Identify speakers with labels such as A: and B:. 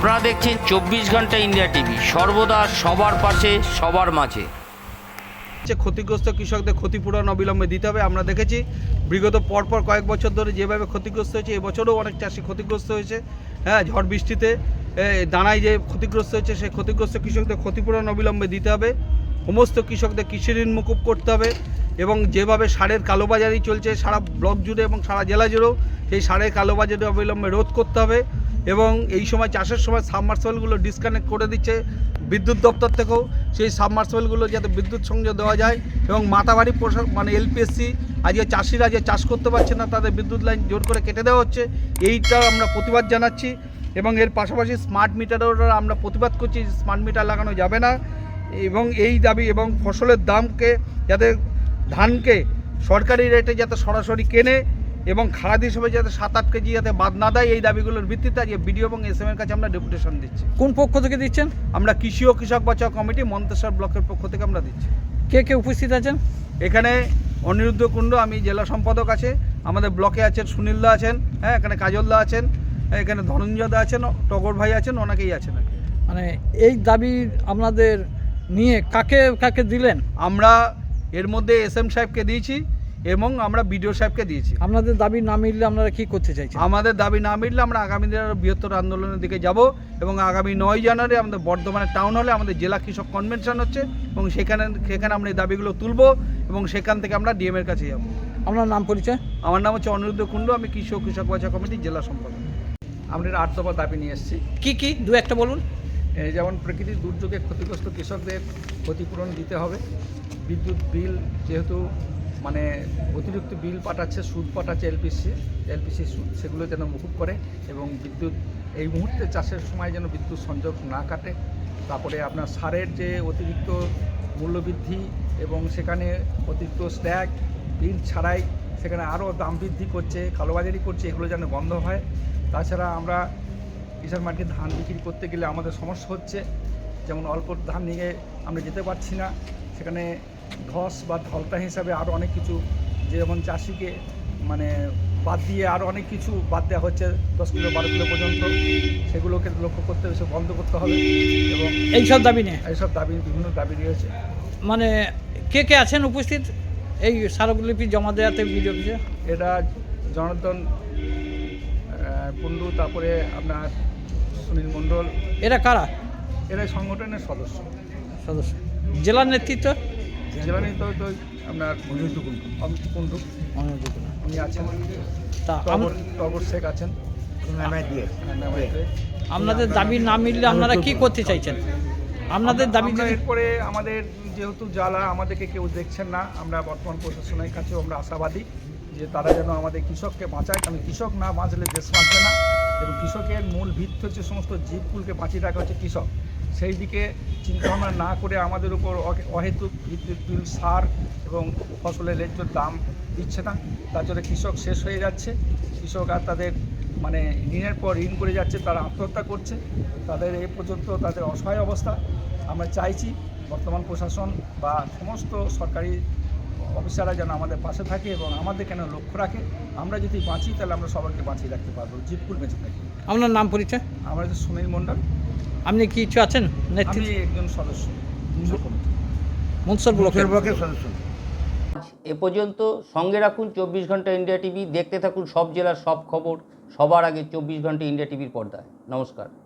A: আপনারা দেখছেন 24 ঘন্টা ইন্ডিয়া টিভি, সর্বদা সবার পাশে সবার মাঝে।
B: ক্ষতিগ্রস্ত কৃষকদের ক্ষতিপূরণ অবিলম্বে দিতে হবে। আমরা দেখেছি বিগত পরপর কয়েক বছর ধরে যেভাবে ক্ষতিগ্রস্ত হয়েছে, এবছরও অনেক চাষি ক্ষতিগ্রস্ত হয়েছে। ঝড় বৃষ্টিতে দানায় যে ক্ষতিগ্রস্ত হয়েছে, সেই ক্ষতিগ্রস্ত কৃষকদের ক্ষতিপূরণ অবিলম্বে দিতে হবে। সমস্ত কৃষকদের কৃষি ঋণ মুকুব করতে হবে এবং যেভাবে সারের কালোবাজারি চলছে সারা ব্লক জুড়ে এবং সারা জেলা জুড়েও, সেই সারের কালোবাজারি অবিলম্বে রোধ করতে হবে। এবং এই সময় চাষের সময় সাবমার্সিবলগুলো ডিসকানেক্ট করে দিচ্ছে বিদ্যুৎ দপ্তর থেকেও, সেই সাবমার্সিবলগুলো যাতে বিদ্যুৎ সংযোগ দেওয়া যায় এবং মাতাবাড়ি মানে এলপিএসসি আজকে চাষিরা যে চাষ করতে পারছে না, তাদের বিদ্যুৎ লাইন জোর করে কেটে দেওয়া হচ্ছে। এইটা আমরা প্রতিবাদ জানাচ্ছি এবং এর পাশাপাশি স্মার্ট মিটারের আমরা প্রতিবাদ করছি, স্মার্ট মিটার লাগানো যাবে না এবং এই দাবি এবং ফসলের দামকে যাতে ধানকে সরকারি রেটে যাতে সরাসরি কেনে এবং খারাপ হিসেবে যাতে 7-8 কেজি যাতে বাদ না দেয়, এই দাবিগুলোর ভিত্তিতে আজকে বিডিও এবং এসএম এর কাছে আমরা ডেপুটেশন দিচ্ছি।
C: কোন পক্ষ থেকে দিচ্ছেন?
B: আমরা কৃষি ও কৃষক বাঁচাও কমিটি মন্তেশ্বর ব্লকের পক্ষ থেকে আমরা দিচ্ছি।
C: কে কে উপস্থিত আছেন
B: এখানে? অনিরুদ্ধ কুণ্ড, আমি জেলা সম্পাদক আছে, আমাদের ব্লকে আছেন সুনীলদা আছেন, এখানে কাজলদা আছেন, এখানে ধনঞ্জয়দা আছেন, টগর ভাই আছেন, অনেকেই আছেন।
C: মানে এই দাবি আপনাদের নিয়ে কাকে কাকে দিলেন?
B: আমরা এর মধ্যে এসএম সাহেবকে দিয়েছি এবং আমরা বিডিও সাহেবকে দিয়েছি।
C: আপনাদের দাবি না মিললে আপনারা কি করতে চাইছেন?
B: আমাদের দাবি না মিললে আমরা আগামী দিনে আরও বৃহত্তর আন্দোলনের দিকে যাব এবং আগামী 9 জানুয়ারি আমাদের বর্ধমানের টাউন হলে আমাদের জেলা কৃষক কনভেনশন হচ্ছে এবং সেখানে আমরা এই দাবিগুলো তুলব এবং সেখান থেকে আমরা ডিএম এর কাছে যাব।
C: আপনার নাম পরিচয়?
B: আমার নাম হচ্ছে অনিরুদ্ধ কুণ্ড, আমি কৃষি ও কৃষক বাঁচাও কমিটির জেলা সম্পাদক।
D: আমরা 8 দফা দাবি নিয়ে এসেছি।
C: কি দু একটা বলুন।
D: যেমন প্রকৃতির দুর্যোগে ক্ষতিগ্রস্ত কৃষকদের ক্ষতিপূরণ দিতে হবে। বিদ্যুৎ বিল যেহেতু মানে অতিরিক্ত বিল পাঠাচ্ছে, সুদ পাঠাচ্ছে এলপিসি সুদ, সেগুলো যেন মুকুব করে এবং বিদ্যুৎ এই মুহূর্তে চাষের সময় যেন বিদ্যুৎ সংযোগ না কাটে। তারপরে আপনার সারের যে অতিরিক্ত মূল্যবৃদ্ধি এবং সেখানে অতিরিক্ত স্ট্যাগ বিল ছাড়াই সেখানে আরও দাম বৃদ্ধি করছে, কালোবাজারি করছে, এগুলো যেন বন্ধ হয়। তাছাড়া আমরা কিষাণ মার্কেটে ধান বিক্রি করতে গেলে আমাদের সমস্যা হচ্ছে, যেমন অল্প ধান নিয়ে আমরা যেতে পারছি না, সেখানে ধস বা ধলতা হিসাবে আরও অনেক কিছু, যেমন চাষিকে মানে বাদ দিয়ে আরও অনেক কিছু বাদ দেওয়া হচ্ছে 10 কিলো 12 কিলো পর্যন্ত, সেগুলোকে লক্ষ্য করতে হবে, সে বন্ধ করতে হবে। এবং
C: এইসব দাবি নিয়ে
D: বিভিন্ন দাবি রয়েছে।
C: মানে কে আছেন উপস্থিত এই স্মারকলিপি জমা দেওয়াতে বিডিও অফিসে?
D: এটা জনার্দন কুণ্ডু, তারপরে আপনার সুনীল মণ্ডল।
C: এরা কারা?
D: এরা সংগঠনের সদস্য।
C: জেলার নেতৃত্ব?
D: জেলা নেতৃত্ব আপনার অনিরুদ্ধ কুণ্ডু উনি আছেন,
C: তা
D: টগর শেখ আছেন।
C: আপনাদের দাবি না মিললে আপনারা কি করতে চাইছেন? আপনাদের দাবি
D: এরপরে আমাদের যেহেতু জ্বালা আমাদেরকে কেউ দেখছেন না, আমরা বর্তমান প্রশাসনের কাছেও আমরা আশাবাদী যে তারা যেন আমাদের কৃষককে বাঁচায়, কারণ কৃষক না বাঁচলে দেশ বাঁচবে না এবং কৃষকের মূল ভিত্তি হচ্ছে সমস্ত জীবকুলকে বাঁচিয়ে রাখা হচ্ছে কৃষক। সেই দিকে চিন্তাভাবনা না করে আমাদের উপর অহেতুক বিদ্যুৎ বিল, সার এবং ফসলের ন্যায্য দাম দিচ্ছে না, তার জন্য কৃষক শেষ হয়ে যাচ্ছে। কৃষক আর তাদের মানে ঋণের পর ঋণ করে যাচ্ছে, তারা আত্মহত্যা করছে, তাদের এই পর্যন্ত তাদের অসহায় অবস্থা। আমরা চাইছি বর্তমান প্রশাসন বা সমস্ত সরকারি অফিসাররা যেন আমাদের পাশে থাকে এবং আমাদের কেন লক্ষ্য রাখে। আমরা যদি বাঁচি তাহলে আমরা সবাইকে বাঁচিয়ে রাখতে পারবো, জীবকুল বেঁচে থাকি।
C: আপনার নাম পরিচয়?
D: আমরা হচ্ছে সুনীল মণ্ডল।
C: আপনি কি কিছু আছেন?
D: আমি একজন সদস্য
C: মনসর ব্লকের
D: সদস্য।
A: এ পর্যন্ত সঙ্গে রাখুন 24 ঘন্টা ইন্ডিয়া টিভি, দেখতে থাকুন সব জেলার সব খবর সবার আগে 24 ঘন্টা ইন্ডিয়া টিভির পর্দায়। নমস্কার।